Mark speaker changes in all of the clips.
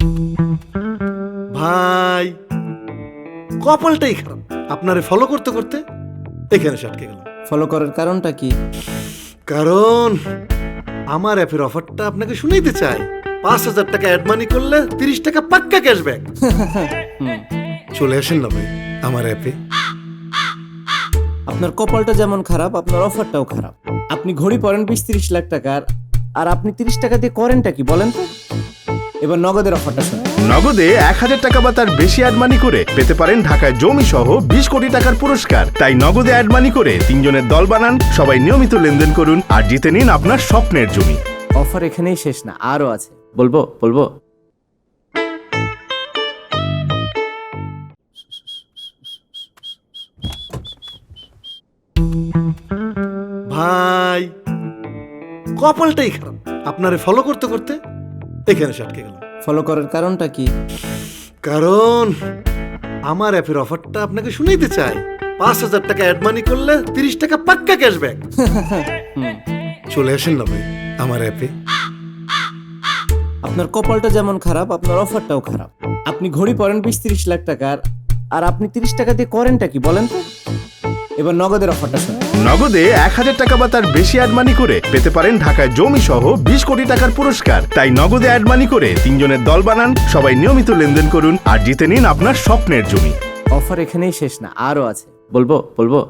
Speaker 1: ভাই কপালটাই খারাপ, আপনারে ফলো করতে করতে এখানে এসে আটকে গেলাম।
Speaker 2: ফলো করার কারণটা কি?
Speaker 1: কারণ আমার অ্যাপের অফারটা আপনাকে শুনাইতে চাই। 5,000 টাকা অ্যাড মানি করলে 30 টাকা পাক্কা ক্যাশব্যাক। চলে আসেন না ভাই আমার অ্যাপে।
Speaker 2: আপনার কপালটা যেমন খারাপ, আপনার অফারটাও খারাপ। আপনি ঘড়ি পরেন 20-30 লাখ টাকার, আর আপনি 30 টাকা দিয়ে করেনটা কি বলেন তো? এবার নগদের অফারটা শুনুন।
Speaker 3: নগদে 1,000 টাকা বা তার বেশি অ্যাড মানি করে পেতে পারেন ঢাকায় জমি সহ 20 কোটি টাকার পুরস্কার। তাই নগদে অ্যাড মানি করে 3 জনের দল বানান, সবাই নিয়মিত লেনদেন করুন আর জিতে নিন আপনার স্বপ্নের জমি।
Speaker 2: অফার এখানেই শেষ না, আরো আছে। বলবো বলবো
Speaker 1: ভাই কপালটাই খারাপ, আপনারে ফলো করতে করতে এখানে এসে আটকে গেলাম।
Speaker 2: ফলো করার কারণটা কি?
Speaker 1: কারণ আমার অ্যাপের অফারটা আপনাকে শুনাইতে চাই। 5,000 টাকা অ্যাড মানি করলে 30 টাকা পাক্কা ক্যাশব্যাক। চলে আসেন না ভাই আমার অ্যাপে।
Speaker 2: আপনার কপালটা যেমন খারাপ, আপনার অফারটাও খারাপ। আপনি ঘড়ি পরেন 20-30 লাখ টাকার, আর আপনি 30 টাকা দিয়ে করেনটা কি বলেন তো? এবার নগদের অফারটা শুনুন।
Speaker 3: নগদে 1,000 টাকা বা তার বেশি অ্যাড মানি করে পেতে পারেন ঢাকায় জমি সহ 20 কোটি টাকার পুরস্কার। তাই নগদে অ্যাড মানি করে 3 জনের দল বানান, সবাই নিয়মিত লেনদেন করুন আর জিতে নিন আপনার স্বপ্নের জমি।
Speaker 2: অফার এখানেই শেষ না, আরো আছে। বলবো বলবো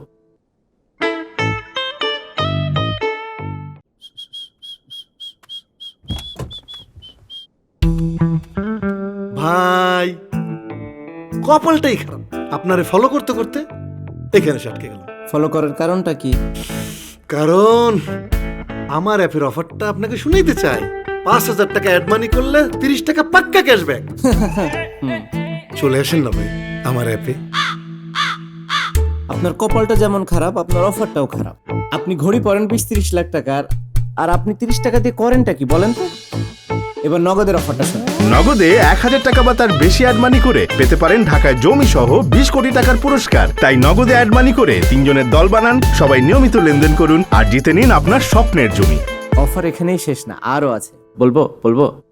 Speaker 1: ভাই কপালটাই খারাপ, আপনারে ফলো করতে করতে এখানে এসে আটকে গেলাম।
Speaker 2: ফলো করার কারণটা কি?
Speaker 1: কারণ আমার অ্যাপের অফারটা আপনাকে শুনাইতে চাই। 5,000 টাকা অ্যাড মানি করলে 30 টাকা পাক্কা ক্যাশব্যাক। চলে আসেন না ভাই আমার অ্যাপে।
Speaker 2: আপনার কপালটা যেমন খারাপ, আপনার অফারটাও খারাপ। আপনি ঘড়ি পরেন 20-30 লাখ টাকার, আর আপনি 30 টাকা দিয়ে করেনটা কি বলেন তো? এবার নগদের অফারটা শুনুন।
Speaker 3: নগদে 1,000 টাকা বা তার বেশি অ্যাড মানি করে পেতে পারেন ঢাকায় জমি সহ 20 কোটি টাকার পুরস্কার। তাই নগদে অ্যাড মানি করে 3 জনের দল বানান, সবাই নিয়মিত লেনদেন করুন আর জিতে নিন আপনার স্বপ্নের জমি।
Speaker 2: অফার এখানেই শেষ না, আরো আছে। বলবো বলবো